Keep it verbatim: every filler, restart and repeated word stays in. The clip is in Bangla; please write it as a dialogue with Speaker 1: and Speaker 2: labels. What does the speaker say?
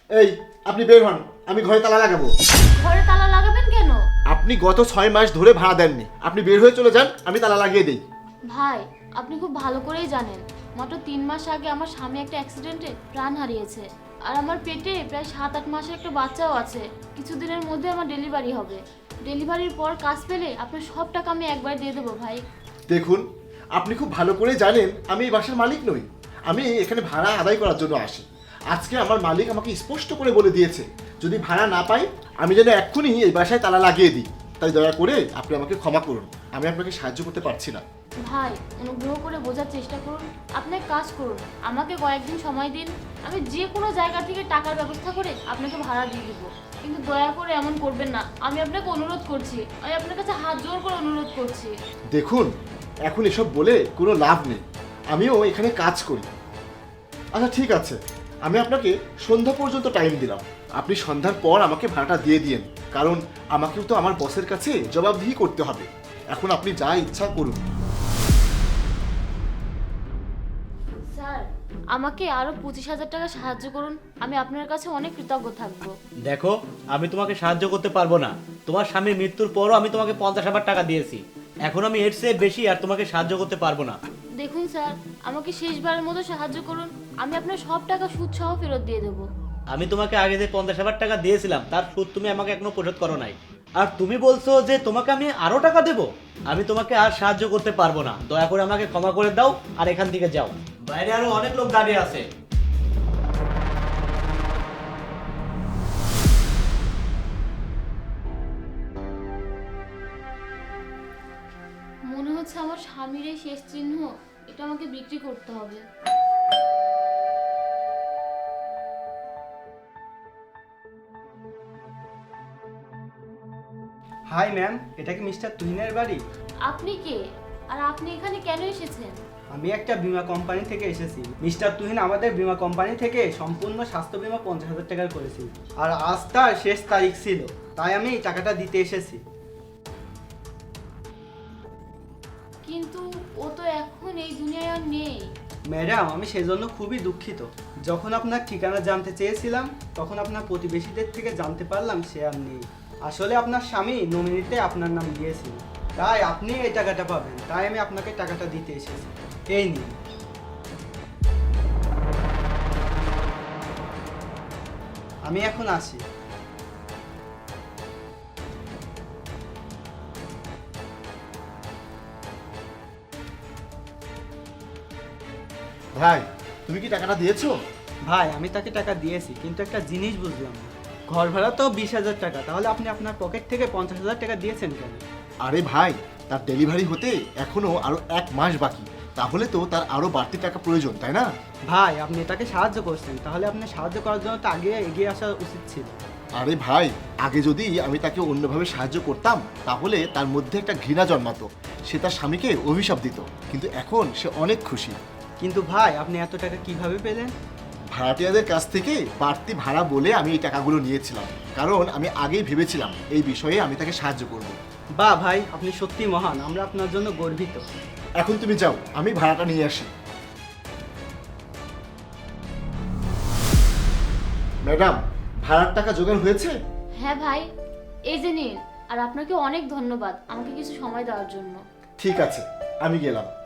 Speaker 1: এই, আপনি বের হন, আমি ঘরে তালা লাগাবো।
Speaker 2: ঘরে তালা লাগাবেন কেন?
Speaker 1: আপনি গত ছয় মাস ধরে ভাড়া দেননি, আপনি বের হয়ে চলে যান, আমি তালা লাগিয়ে দিই।
Speaker 2: ভাই, আপনি খুব ভালো করেই জানেন মাত্র তিন মাস আগে আমার স্বামী একটা অ্যাক্সিডেন্টে প্রাণ হারিয়েছে। আর আমার পেটে প্রায় সাত আট মাসের একটা বাচ্চাও আছে। কিছুদিনের মধ্যে আমার ডেলিভারি হবে। ডেলিভারির পর কাজ পেলে আপনার সব টাকা আমি একবার দিয়ে দেবো ভাই।
Speaker 1: দেখুন, আপনি খুব ভালো করে জানেন আমি এই বাসার মালিক নই, আমি এখানে ভাড়া আদায় করার জন্য আসি। আজকে আমার মালিক আমাকে স্পষ্ট করে বলে দিয়েছে যদি ভাড়া না পাই আমি যেন এক্ষুনি এই বাসায় তালা লাগিয়ে দিই। তাই দয়া করে আপনি আমাকে ক্ষমা করুন, আমি আপনাকে সাহায্য করতে পারছি না।
Speaker 2: ভাই, অনুগ্রহ করে বোঝার চেষ্টা করুন। আপনি এক কাজ করুন, আমাকে কয়েকদিন সময় দিন, আমি যে কোনো জায়গা থেকে টাকার ব্যবস্থা করে আপনাকে ভাড়া দিয়ে দেবো। কিন্তু দয়া করে এমন করবেন না, আমি আপনাকে অনুরোধ করছি, আমি আপনার কাছে হাত জোর করে অনুরোধ করছি।
Speaker 1: দেখুন, এখন এসব বলে কোনো লাভ নেই, আমিও এখানে কাজ করি। আচ্ছা ঠিক আছে, আমি আপনাকে সন্ধ্যা পর্যন্ত টাইম দিলাম, আপনি সন্ধ্যার পর আমাকে ভাড়াটা দিয়ে দিয়েন, কারণ আমাকেও তো আমার বসের কাছে জবাবদিহি করতে হবে। এখন আপনি যা ইচ্ছা করুন।
Speaker 2: স্যার, আমাকে আরো পঁচিশ হাজার টাকা সাহায্য করুন, আমি আপনার কাছে অনেক কৃতজ্ঞ থাকবো।
Speaker 3: দেখো, আমি তোমাকে সাহায্য করতে পারবো না। তোমার স্বামীর মৃত্যুর পরও আমি তোমাকে পঞ্চাশ হাজার টাকা দিয়েছি, এখন আমি এর চেয়ে বেশি আর তোমাকে সাহায্য করতে পারবো না।
Speaker 2: দেখুন স্যার, আমাকে শেষবারের মতো সাহায্য করুন, আমি আপনার সব টাকা সুদ সহ ফেরত দিয়ে দেবো।
Speaker 3: আমি তোমাকে আগে যে পঞ্চাশ হাজার টাকা দিয়েছিলাম তার সুদ তুমি আমাকে এখনো পরিশোধ করো নাই, আর তুমি বলছো যে তোমাকে আমি আরো টাকা দেবো। আমি তোমাকে আর সাহায্য করতে পারবো না, দয়া করে আমাকে ক্ষমা করে দাও আর এখান থেকে যাও, বাইরে আরো অনেক লোক দাঁড়িয়ে আছে।
Speaker 2: মনে হচ্ছে আমার স্বামীর এই শেষ চিহ্ন, এটা আমাকে বিক্রি করতে হবে।
Speaker 4: হাই ম্যাম, এটা কি মিস্টার তুহিনের বাড়ি?
Speaker 2: আপনি কে, আর আপনি এখানে কেন এসেছেন?
Speaker 4: আমি একটা বীমা কোম্পানি থেকে এসেছি। মিস্টার তুহিন আমাদের বীমা কোম্পানি থেকে সম্পূর্ণ স্বাস্থ্য বীমা পঞ্চাশ হাজার টাকার করেছি, আর আজ তার শেষ তারিখ ছিল, তাই আমি এই টাকাটা দিতে এসেছি।
Speaker 2: কিন্তু ও তো এখন এই দুনিয়ায় আর নেই।
Speaker 4: ম্যাডাম, আমি সেজন্য খুবই দুঃখিত। যখন আপনার ঠিকানা জানতে চেয়েছিলাম তখন আপনার প্রতিবেশীদের থেকে জানতে পারলাম সে আর নেই। আসলে আপনার স্বামী নমিনিতে আপনার নাম দিয়েছিল, তাই আপনি এই টাকাটা পাবেন, তাই আমি আপনাকে টাকাটা দিতে এসেছি। এই নিন। আমি এখন আসি।
Speaker 1: ভাই, তুমি কি টাকাটা দিয়েছো?
Speaker 4: ভাই, আমি তাকে টাকা দিয়েছি, কিন্তু একটা জিনিস বুঝলাম না। ঘর ভাড়া তো বিশ হাজার টাকা, তাহলে আপনি আপনার পকেট থেকে পঞ্চাশ হাজার টাকা দিয়েছেন কেন?
Speaker 1: আরে ভাই, তার ডেলিভারি হতে এখনো আরো এক মাস বাকি, তাহলে তো তার আরো বাড়তি টাকা প্রয়োজন, তাই না?
Speaker 4: ভাই, আপনি তাকে সাহায্য করছেন, তাহলে আপনি সাহায্য করার জন্য তো আগে এগিয়ে আসা উচিত ছিল।
Speaker 1: আরে ভাই, আগে যদি আমি তাকে অন্যভাবে সাহায্য করতাম তাহলে তার মধ্যে একটা ঘৃণা জন্মাতো, সে তার স্বামীকে অভিশাপ দিত, কিন্তু এখন সে অনেক খুশি।
Speaker 4: কিন্তু ভাই, আপনি এত টাকা কিভাবে পেলেন?
Speaker 1: ভাড়াটিয়াদের কাছ থেকে বাড়তি ভাড়া বলে আমি এই টাকাগুলো নিয়েছিলাম, কারণ আমি আগেই ভেবেছিলাম এই বিষয়ে আমি তাকে সাহায্য করব।
Speaker 4: বাহ ভাই, আপনি সত্যি মহান, আমরা আপনার জন্য গর্বিত।
Speaker 1: এখন তুমি যাও, আমি ভাড়াটা নিয়ে আসি। ম্যাডাম, ভাড়ার টাকা জোগাড় হয়েছে?
Speaker 2: হ্যাঁ ভাই, এই যে নিন। আর আপনাকে অনেক ধন্যবাদ আমাকে কিছু সময় দেওয়ার জন্য।
Speaker 1: ঠিক আছে, আমি গেলাম।